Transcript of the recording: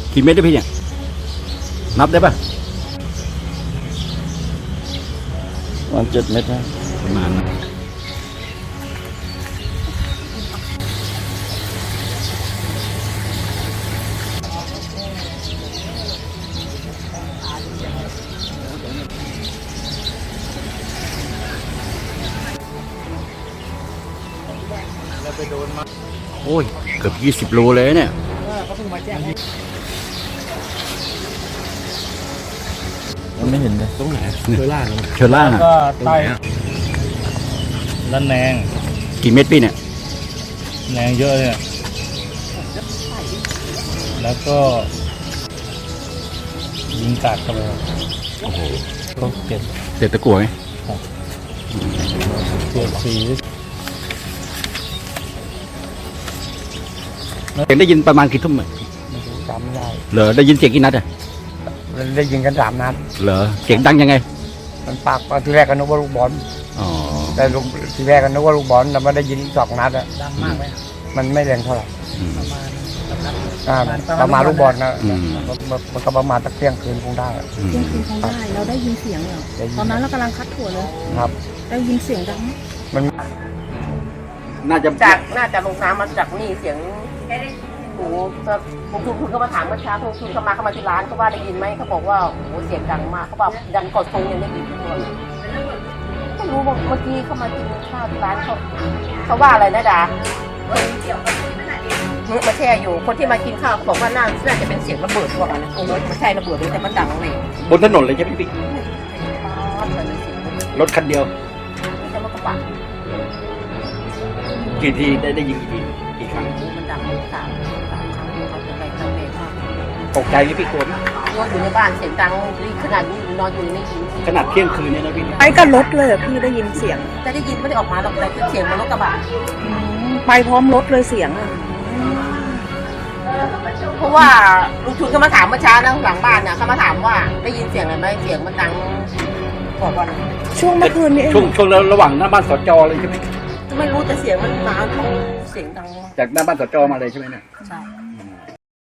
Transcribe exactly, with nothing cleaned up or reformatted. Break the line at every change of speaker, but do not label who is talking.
กี่เม็ดได้พี่เนี่ยนับได้ปะ
วันเจ็ดเม็ดนะ
ประมาณนั้นโอ้ยเกือบยี่สิบโลเลยเนี่ย
มันไม่เห็นเลย
ตรงไหนเชอร่า
เชอร่า
ก็ใต้ละแนง
กี่เม็ดพี่เนี่ย
แนงเยอะเนี่ยแล้วก็ยิงกัดเข้าไป
โอ้โห
ก็เก็บ
เด็ดตะกั่วไหม
เก็บสี
เสียงได้ยินประมาณกี่ทุ่มอะ
จำไม่ได้
เหรอได้ยินเสียงกี่นัดอะ
ได้ยินกันสามนัด
เหรอเสียงดังยังไง
มันปากทีแรกก็นึกว่าลูกบอล
อ๋อ
แต่ลูกทีแรกก็นึกว่าลูกบอลแต่มาได้ยินสองนัดอะ
ดังมากไหม
มันไม่แรงเท่าไหร่
อืม
ประมาณ
อ่าประมาณลูกบอลนะ
อืม
มันก็ประมาณตะเที่ยงคืนคงได้อะ
อืม
เที่ยงคืนคงได้เราได้ยินเสียงเหรอ
ได้ยิน
ตอนนั้นเรากำลังคัดถั่วเลย
ครับ
ได้ยินเสียงดังไหม
มัน
น่าจะ
จากน่าจะลงน้ำมาจากนี่เสียงโอ้โหลงทุนคุณก็มาถามเมื่อเช้าลงทุนเข้ามาเข้ามาที่ร้านเขาว่าได้ยินไหมเขาบอกว่าโอ้โหเสียงดังมากเขาบอกดังกอดทงยังได้ยินทุกคนไม่รู้ว่าเมื่อกี้เขามากินข้าวที่ร้านเขาเขาว่าอะไรนะดาเนี่ยมาแช่อยู่คนที่มากินข้าวเขาบอกว่าน่าน่าจะเป็นเสียงระเบิดพวกนั้นโอ้โหไม่ใช่ระเบิดเลยแต่มันดังเลย
บนถนนเลยใช่ไหมพี่
อ๋อเหมือนเสียงระเบิด
รถคันเดียว
ไม่ใช่รถกระบะ
กี่ทีได้ได้ยินกี่ทีกี่ครั้ง
มันดังสามสามครั้งเขาจะไปทางเวท
ตกใจไหมพี่กลัวไหม
นอนอยู่ในบ้านเสียงดังขนาดนี้นอนอยู่ในนี้
ขนาดเที่ยงคืนเนี่ยนะพี่
ไปกับรถเลยเหรอพี่ได้ยินเสียง
แต่ได้ยินไม่ได้ออกมาหรอกแต่เสียงมันรถกระบะ
อืมไปพร้อมรถเลยเสียงอ่ะ
เพราะว่าลุงชุนเขามาถามเมื่อเช้านะหลังบ้านเนี่ยเขามาถามว่าได้ยินเสียงอะไรไหมเสียงมันดังบอกว่า
ช่วงเมื่อคืนนี้เอง
ช่วงช่วงระหว่างหน้าบ้านสจเลยใช่ไหม
ไม่รู้แต่เสียงมันมาเสียงดัง
จากหน้าบ้านสจมาเลยใช่ไหมเนี่ย
ใช่